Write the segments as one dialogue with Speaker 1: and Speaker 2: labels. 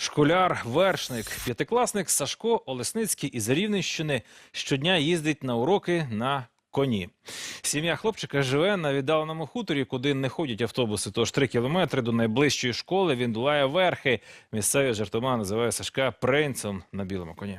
Speaker 1: Школяр-вершник, п'ятикласник Сашко Олесницький із Рівненщини щодня їздить на уроки на коні. Сім'я хлопчика живе на віддаленому хуторі, куди не ходять автобуси. Тож 3 кілометри до найближчої школи він долає верхи. Місцеві жартома називає Сашка принцем на білому коні.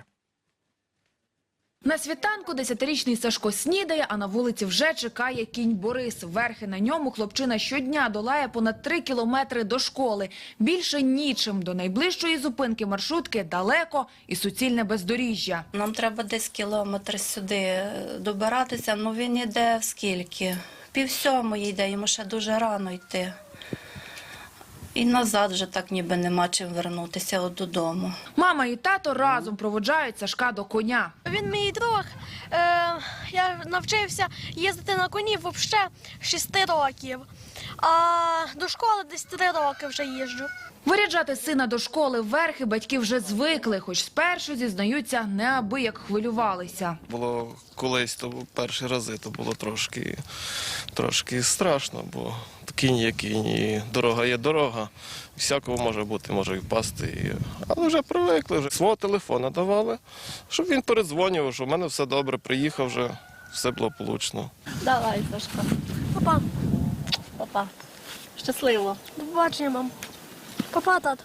Speaker 2: На світанку 10-річний Сашко снідає, а на вулиці вже чекає кінь Борис. Верхи на ньому хлопчина щодня долає понад 3 кілометри до школи. Більше нічим. До найближчої зупинки маршрутки далеко і суцільне бездоріжжя.
Speaker 3: Нам треба десь кілометр сюди добиратися, але він йде скільки? 6:30 йде, йому ще дуже рано йти. І назад вже так ніби нема чим вернутися додому.
Speaker 2: Мама і тато разом проводжають Сашка до коня.
Speaker 4: Він мій друг. Я навчився їздити на коні взагалі 6 років. А до школи десь 3 роки вже їжджу.
Speaker 2: Виряджати сина до школи верхи батьки вже звикли, хоч спершу, зізнаються, неабияк хвилювалися.
Speaker 5: Було колись, то перші рази, то було трошки страшно, бо кінь є кінь, і дорога є дорога. Всякого може бути, може і впасти. Але вже привикли, вже свого телефона давали, щоб він передзвонював, що в мене все добре, приїхав вже, все благополучно.
Speaker 4: Давай, Сашко. Папа. Папа. Щасливо. До побачення, мам. Папа, тат.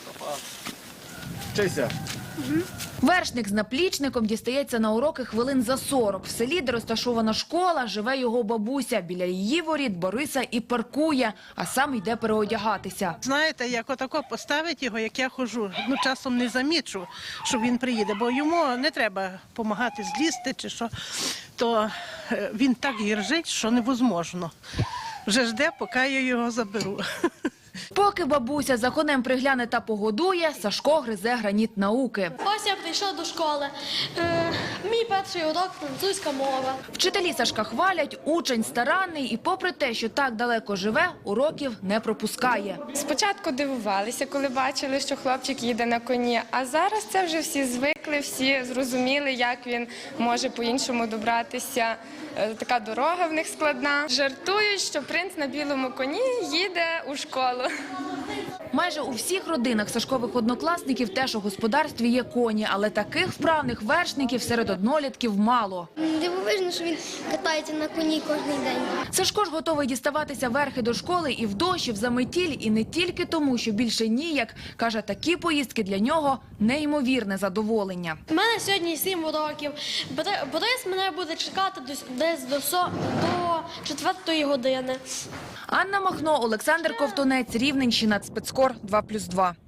Speaker 5: Вчися.
Speaker 2: Вершник з наплічником дістається на уроки хвилин за 40. В селі, де розташована школа, живе його бабуся. Біля її воріт Бориса і паркує, а сам йде переодягатися.
Speaker 6: Знаєте, як отако поставить його, як я ходжу, часом не замічу, що він приїде, бо йому не треба допомагати злізти чи що, то він так гіржить, що невозможно. Вже жде, поки я його заберу.
Speaker 2: Поки бабуся за конем пригляне та погодує, Сашко гризе граніт науки.
Speaker 4: Ось я прийшов до школи. Мій перший урок – французька мова.
Speaker 2: Вчителі Сашка хвалять, учень старанний і попри те, що так далеко живе, уроків не пропускає.
Speaker 7: Спочатку дивувалися, коли бачили, що хлопчик їде на коні, а зараз це вже всі звикли, всі зрозуміли, як він може по-іншому добратися. Така дорога в них складна. Жартують, що принц на білому коні їде у школу.
Speaker 2: Майже у всіх родинах Сашкових однокласників теж у господарстві є коні, але таких вправних вершників серед однолітків мало.
Speaker 8: Дивовижно, що він катається на коні кожен день.
Speaker 2: Сашко ж готовий діставатися верхи до школи і в дощ, і в заметіль, і не тільки тому, що більше ніяк. Каже, такі поїздки для нього – неймовірне задоволення.
Speaker 4: У мене сьогодні 7 уроків. Борис мене буде чекати десь до 4-ї години.
Speaker 2: Анна Махно, Олександр Ковтунець, Рівненщина, Спецкор 2+2.